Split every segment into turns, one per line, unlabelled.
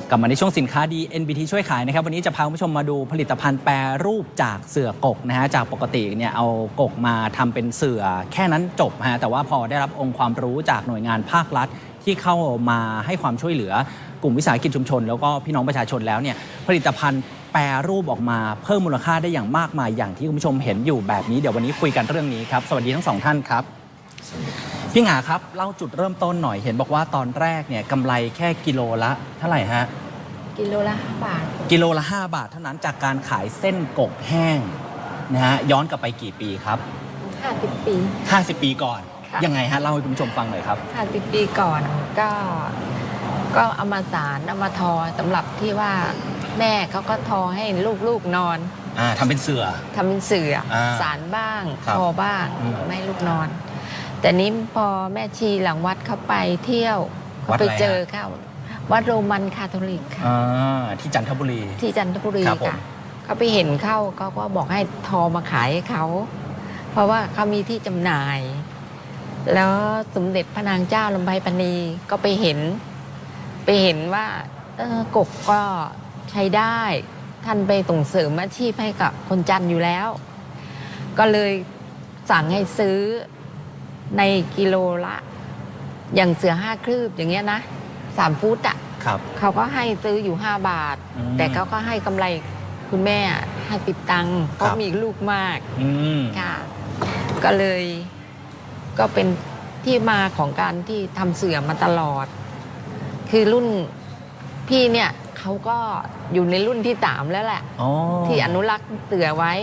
กลับมาในช่วงสินค้าดี NBT ช่วยขายนะครับวันนี้จะพาคุณผู้ชมมาดูผลิตภัณฑ์แปรรูปจากเสื่อกกนะฮะจากปกติเนี่ยเอากกมาทำเป็นเสื่อแค่นั้นจบฮะแต่ว่าพอได้รับองค์ความรู้จากหน่วยงานภาครัฐที่เข้ามาให้ความช่วยเหลือกลุ่มวิสาหกิจชุมชนแล้วก็พี่น้องประชาชนแล้วเนี่ยผลิตภัณฑ์แปรรูปออกมาเพิ่มมูลค่าได้อย่างมากมายอย่างที่คุณผู้ชมเห็นอยู่แบบนี้เดี๋ยววันนี้คุยกันเรื่องนี้ครับสวัสดีทั้งสองท่านครับพี่หงาครับเล่าจุดเริ่มต้นหน่อยเห็นบอกว่าตอนแรกเนี่ยกำไรแค่กิโลละเท่าไหร่ฮะ
กิโลละ5 บาท
กิโลละ5 บาทเท่านั้นจากการขายเส้นกกแห้งนะฮะย้อนกลับไปกี่ปีครับ
50 ปี
50 ปีก่อนยังไงฮะเล่าให้คุณผู้ชมฟังหน่อยครับ
50 ปีก่อนก็เอามาสารเอามาทอสำหรับที่ว่าแม่เขาก็ทอให้ลูกนอน
ทำเป็นเสื่อ
สารบ้างทอบ้างไม่ให้ลูกนอนแต่นี้พอแม่ชีหลังวัดเขาไปเที่ยวเขาไปเจอเข้าวัดโรมันคาทอลิกค่ะ
ที่จันทบุรี
ค่ะเขาไปเห็นเข้าเขาก็บอกให้ทอมาขายให้เขาเพราะว่าเขามีที่จำหน่ายแล้วสมเด็จพระนางเจ้าลำไพพรรณีก็ไปเห็นว่ากกก็ใช้ได้ท่านไปส่งเสริมอาชีพให้กับคนจันทร์อยู่แล้วก็เลยสั่งให้ซื้อในกิโลละอย่างเสือ5 ครืบอย่างเงี้ยนะ3 ฟุตอ่ะเขาก็ให้ซื้ออยู่5 บาทแต่เขาก็ให้กำไรคุณแม่ให้ติดตังค์เพราะมีลูกมากค่ะก็เลยก็เป็นที่มาของการที่ทำเสือมาตลอดคือรุ่นพี่เนี่ยเขาก็อยู่ในรุ่นที่3แล้วแหละที่อนุรักษ์เสือไว้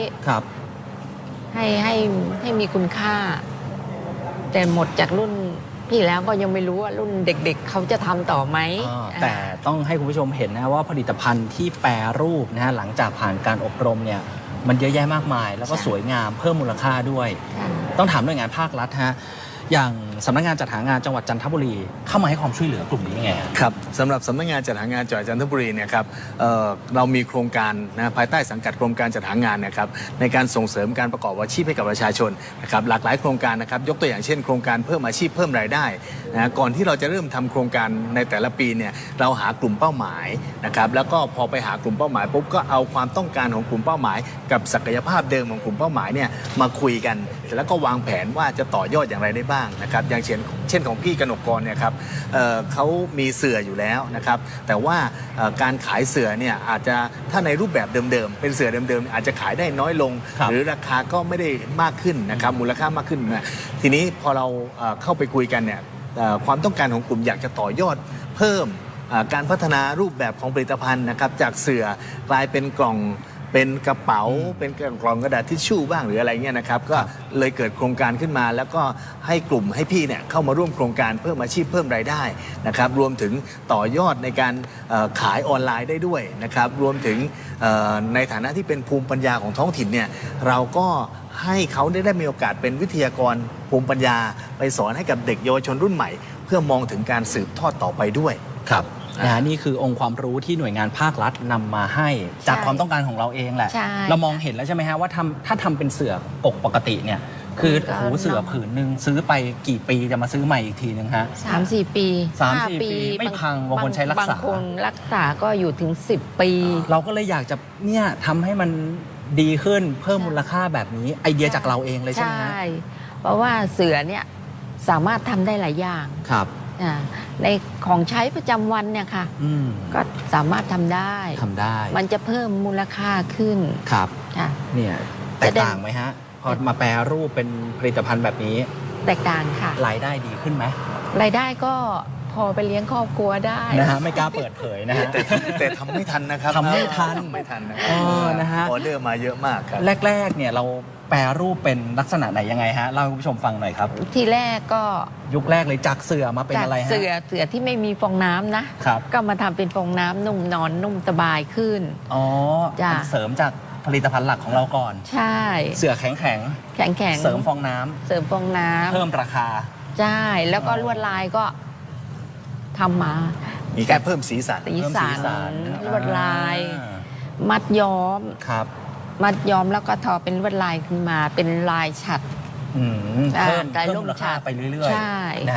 ให้มีคุณค่าแต่หมดจากรุ่นพี่แล้วก็ยังไม่รู้ว่ารุ่นเด็กๆเขาจะทำต่อไหม
แต่ต้องให้คุณผู้ชมเห็นนะว่าผลิตภัณฑ์ที่แปรรูปนะฮะหลังจากผ่านการอบรมเนี่ยมันเยอะแยะมากมายแล้วก็สวยงามเพิ่มมูลค่าด้วยต้องถามหน่วยงานภาครัฐฮะอย่างสำนักงานจัดหางานจังหวัดจันทบุรีเข้ามาให้ความช่วยเหลือกลุ่มนี้ยังไง
ครับสำหรับสำนักงานจัดหางานจังหวัดจันทบุรีเนี่ยครับเรามีโครงการนะภายใต้สังกัดกรมการจัดหางานนะครับในการส่งเสริมการประกอบอาชีพให้กับประชาชนนะครับหลากหลายโครงการนะครับยกตัวอย่างเช่นโครงการเพิ่มอาชีพเพิ่มรายได้นะก่อนที่เราจะเริ่มทำโครงการในแต่ละปีเนี่ยเราหากลุ่มเป้าหมายนะครับแล้วก็พอไปหากลุ่มเป้าหมายปุ๊บก็เอาความต้องการของกลุ่มเป้าหมายกับศักยภาพเดิมของกลุ่มเป้าหมายเนี่ยมาคุยกันแล้วก็วางแผนว่าจะต่อยอดอย่างไรได้บ้างนะครับอย่างเช่นของพี่กนกกรเนี่ยครับเขามีเสื่ออยู่แล้วนะครับแต่ว่าการขายเสื่อเนี่ยอาจจะถ้าในรูปแบบเดิมๆเป็นเสื่อเดิมๆอาจจะขายได้น้อยลงหรือราคาก็ไม่ได้มากขึ้นนะครับมูลค่ามากขึ้นนะทีนี้พอเราเข้าไปคุยกันเนี่ยความต้องการของกลุ่มอยากจะต่อยอดเพิ่มการพัฒนารูปแบบของผลิตภัณฑ์นะครับจากเสื่อกลายเป็นกล่องเป็นกระเป๋าเป็นกล่องกระดาษทิชชู่บ้างหรืออะไรเงี้ยนะครับก็เลยเกิดโครงการขึ้นมาแล้วก็ให้กลุ่มให้พี่เนี่ยเข้ามาร่วมโครงการเพิ่มอาชีพเพิ่มรายได้นะครับรวมถึงต่อยอดในการขายออนไลน์ได้ด้วยนะครับรวมถึงในฐานะที่เป็นภูมิปัญญาของท้องถิ่นเนี่ยเราก็ให้เขาได้มีโอกาสเป็นวิทยากรภูมิปัญญาไปสอนให้กับเด็กเยาวชนรุ่นใหม่เพื่อมองถึงการสืบทอดต่อไปด้วย
ครับนี่คือองค์ความรู้ที่หน่วยงานภาครัฐนำมาให้จากความต้องการของเราเองแหละเรามองเห็นแล้วใช่ไหมฮะว่าถ้าทำเป็นเสื่อกกปกติเนี่ยคือหูเสื่อผืนหนึ่งซื้อไปกี่ปีจะมาซื้อใหม่อีกทีนึงฮะ
3-4 ปี
3-4 ปีไม่พังบางคนใช้รักษา
บางคนรักษาก็อยู่ถึง10 ปี
เราก็เลยอยากจะเนี่ยทำให้มันดีขึ้นเพิ่มมูลค่าแบบนี้ไอเดียจากเราเองเลยใช่ไหมฮะ
เพราะว่าเสือเนี่ยสามารถทำได้หลายอย่าง
ครับ
ในของใช้ประจำวันเนี่ยค่ะก็สามารถทำได้มันจะเพิ่มมูลค่าขึ้น
ครับเนี่ยแตกต่างไหมฮะพอมาแปรรูปเป็นผลิตภัณฑ์แบบนี้
แตกต่างค่ะ
รายได้ดีขึ้นไหม
รายได้ก็พอไปเลี้ยงครอบครัวได้
นะฮะไม่กล้าเปิดเผยนะฮะ
แต่ทำไม่ทันนะครับ
ทำไม่ทัน
นะฮะออเดอร์มาเยอะมากครับ
แรกๆเนี่ยเราแปรรูปเป็นลักษณะไหนยังไงฮะเล่าให้คุณผู้ชมฟังหน่อยครับ
ทีแรกก็
ยุคแรกเลยจากเสื่อมาเป็นอะไรฮะ
เสื่อที่ไม่มีฟองน้ำนะก็มาทำเป็นฟองน้ำนุ่มนอนนุ่มสบายขึ้น
เสริมจากผลิตภัณฑ์หลักของเราก่อน
ใช่
เสื่อแข็งเสริมฟองน้ำเพิ่มราคา
ใช่แล้วก็ลวดลายก็ทำมา
มีการเพิ่มสีสัน
ลวดลายมัดย้อมมัดย้อมแล้วก็ทอเป็นลวดลายขึ้นมาเป็นลายฉัตร
เพิ่มมูลค่าไปเรื่อยๆนะฮะ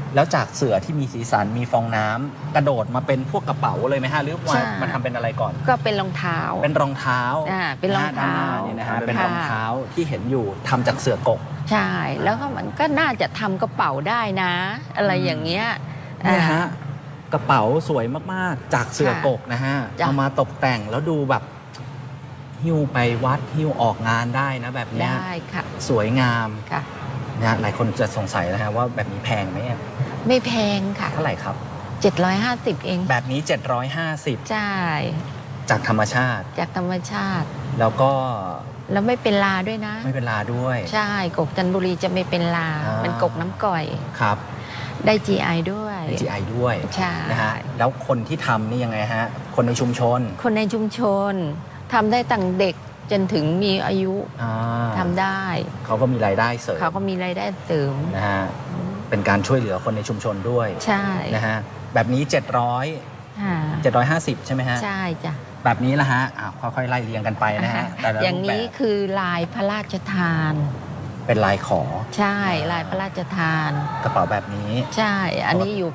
แล้วจากเสื่อที่มีสีสันมีฟองน้ำกระโดดมาเป็นพวกกระเป๋าเลยไหมฮะหรือว่ามันทำเป็นอะไรก่อน
ก็เป็นรองเท้า
เป็นรองเท้า
เป็นรองเท้า
ด้นหน้นี่นะฮะเป็น
ค่ะ
รองเท้าที่เห็นอยู่ทำจากเสื่อกก
ใช่แล้วก็มันก็น่าจะทำกระเป๋าได้นะ อะไรอย่างเงี้ย
เนี่ยฮะกระเป๋าสวยมากๆจากเสื่อกกนะฮะ
จ้ะ
เอามาตกแต่งแล้วดูแบบหิ้วไปวัดหิ้วออกงานได้นะแบบเนี้ย
ได้ค่ะ
สวยงาม
ค่ะ
นะฮะหลายคนจะสงสัยนะฮะว่าแบบนี้แพงไหมอะ
ไม่แพงค่ะ
เท่าไหร่ครับ
750เอง
แบบนี้ 750
ใช่
จากธรรมชาติ
จากธรรมชาติ
แล้วก็
แล้วไม่เป็นลาด้วยนะ
ไม่เป็นลาด้วย
ใช่กกจันทบุรีจะไม่เป็นลา
อ่า
เป็นกกน้ำก่อย
ครับ
ได้ GI ด้วย
GI ด้วย
ใช่
นะฮะแล้วคนที่ทำนี่ยังไงฮะคนในชุมชน
คนในชุมชนทำได้ตั้งเด็กจนถึงมีอายุ
อ่า
ทำได้
เขาก็มีรายได้เสริม
เขาก็มีรายได้เสริม
นะฮะเป็นการช่วยเหลือคนในชุมชนด้วย
ใช่
นะฮะแบบนี้700
ค่ะ
750 ใช่ไหมฮะ
ใช่จ้ะ
แบบนี้ละฮะค่อยๆไล่เรียงกันไปนะฮะแต่ละ
อย่าง
รูป
นี้
แบบ
คือลายพระราชทาน
เป็นลายขอ
ใช่ลายพระราชทาน
กระเป๋าแบบนี้
ใช่ อันนี้อยู่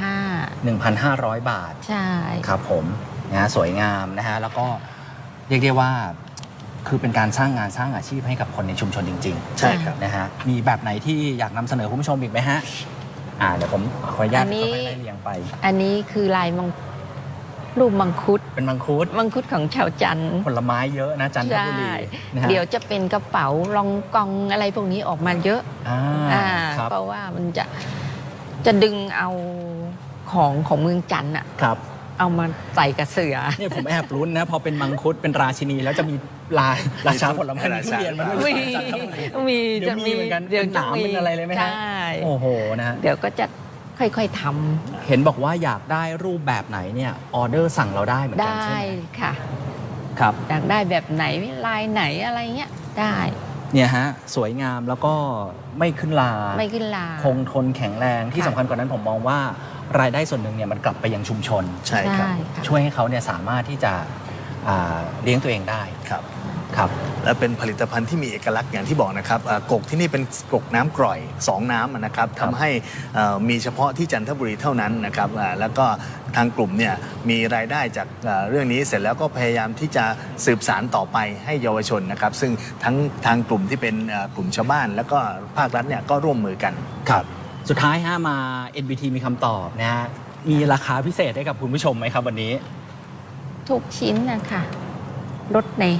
1,500
1,500 บาท
ใช่
ครับผมนะฮะสวยงามนะฮะแล้วก็เรียกได้ว่าคือเป็นการสร้างงานสร้างอาชีพให้กับคนในชุมชนจริงๆ
ใช่ครับ
นะฮะมีแบบไหนที่อยากนำเสนอคุณผู้ชมอีกไหมฮะเดี๋ยวผมขออนุญาตค่อยๆไล่เรียงไป
อันนี้คือลายรูปมังคุด
เป็นมังคุด
มังคุดของชาวจันทร์
ผลไม้เยอะนะจันทบุรีนะฮะ
เดี๋ยวจะเป็นกระเป๋ารองกองอะไรพวกนี้ออกมาเยอะ
ครับ
เพราะว่ามันจะดึงเอาของเมืองจันทร์อะ
ครับ
เอามาใส่กับเสือ
เนี่ยผมแอบลุ้นนะพอเป็นมังคุดเป็นราชินีแล้วจะมีราชาผลไม้มีทุเรียนมาด้วย
มี
เดี๋ยวมีเหมือนกัน
เดี๋ยว
เป็นหนามเป็นอะไรเลยไหมฮะ
ใช่
โอ้โหนะฮะ
เดี๋ยวก็จะค่อยๆท
เห็นบอกว่าอยากได้รูปแบบไหนเนี่ยออเดอร์สั่งเราได้เหมือ
ำ
นกัน
ได้
ใช่ไหม
ค่ะ
ครับ
อยากได้แบบไหนลายไหนอะไรเงี้ยได้
เนี่ยฮะสวยงามแล้วก็ไม่ขึ้นลา
ไม่ขึ้นลา
คงทนแข็งแรงที่
ค่ะ
สำคัญกว่านั้นผมมองว่ารายได้ส่วนหนึ่งเนี่ยมันกลับไปยังชุมชน
ใช่ครับ
ค่ะ
ช่วยให้เขาเนี่ยสามารถที่จะเลี้ยงตัวเองได้
ครับ
ครับ
และเป็นผลิตภัณฑ์ที่มีเอกลักษณ์อย่างที่บอกนะครับกกที่นี่เป็นกกน้ำกร่อย 2 น้ำนะครับ
ครับ
ทำให้มีเฉพาะที่จันทบุรีเท่านั้นนะครับแล้วก็ทางกลุ่มเนี่ยมีรายได้จากเรื่องนี้เสร็จแล้วก็พยายามที่จะสืบสารต่อไปให้เยาวชนนะครับ ซึ่งทั้งทางกลุ่มที่เป็นกลุ่มชาวบ้าน แล้วก็ภาครัฐเนี่ยก็ร่วมมือกัน
ครับสุดท้ายฮะมา NBT มีคำตอบนะฮะมีราคาพิเศษให้กับคุณผู้ชมไหมครับวันนี้
ทุกชิ้นนะคะลดใน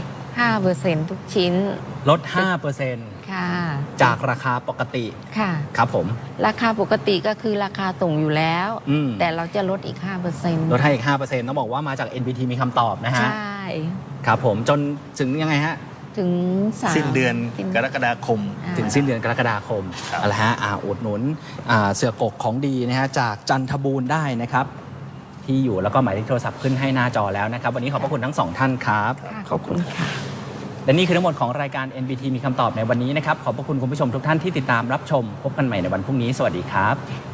5%ทุกชิ้น
ลด 5%
ค่ะ
จากราคาปกติ
ค่ะ
ครับผม
ราคาปกติก็คือราคาส่งอยู่แล้ว
อืม
แต่เราจะลดอีก 5%
ลดให้อีก 5%ต้องบอกว่ามาจาก NBT มีคำตอบนะฮะ
ใช่
ครับผมจนถึงยังไงฮะ
ถึง3
สิ้นเดือนกรกฎาคม
ถึงสิ้นเดือนกรกฎาคม
ครับ
เอาละฮะอุดหนุนเสือกกของดีนะฮะจากจันทบูรณ์ได้นะครับ ที่อยู่แล้วก็หมายเลขโทรศัพท์ขึ้นให้หน้าจอแล้วนะครับ วันนี้ขอบพระคุณทั้งสองท่านครับ
ค่ะขอบคุณค่ะ
และนี่คือทั้งหมดของรายการ NBT มีคำตอบในวันนี้นะครับ ขอบพระคุณคุณผู้ชมทุกท่านที่ติดตามรับชม พบกันใหม่ในวันพรุ่งนี้ สวัสดีครับ